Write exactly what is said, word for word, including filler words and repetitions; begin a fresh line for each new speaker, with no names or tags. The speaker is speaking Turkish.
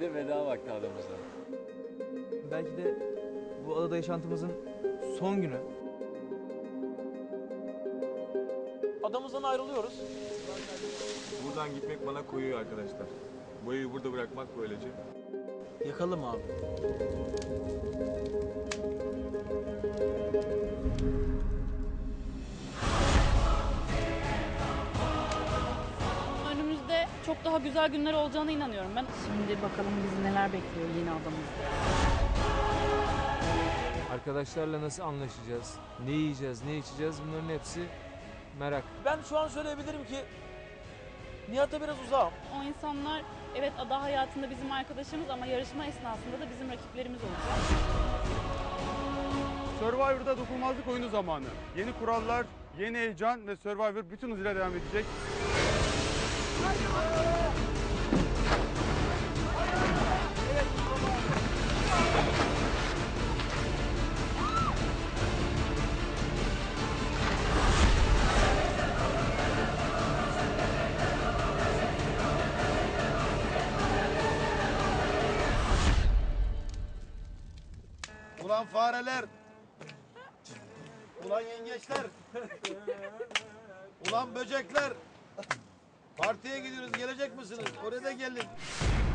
de veda vakti adamıza.
Belki de bu adada yaşantımızın son günü.
Adamızdan ayrılıyoruz.
Buradan gitmek bana koyuyor arkadaşlar. Bu evi burada bırakmak böylece.
Yakalım abi.
Önümüzde çok daha güzel günler olacağına inanıyorum ben. Şimdi bakalım bizi neler bekliyor yeni adamımızda.
Arkadaşlarla nasıl anlaşacağız, ne yiyeceğiz, ne içeceğiz, bunların hepsi merak.
Ben şu an söyleyebilirim ki Nihat'a biraz uzağım.
O insanlar evet ada hayatında bizim arkadaşımız ama yarışma esnasında da bizim rakiplerimiz olacak.
Survivor'da dokunulmazlık oyunu zamanı. Yeni kurallar, yeni heyecan ve Survivor bütün hızıyla devam edecek.
Ulan fareler! Ulan yengeçler! Ulan böcekler! Partiye gidiyoruz, gelecek misiniz? Oraya da gelin.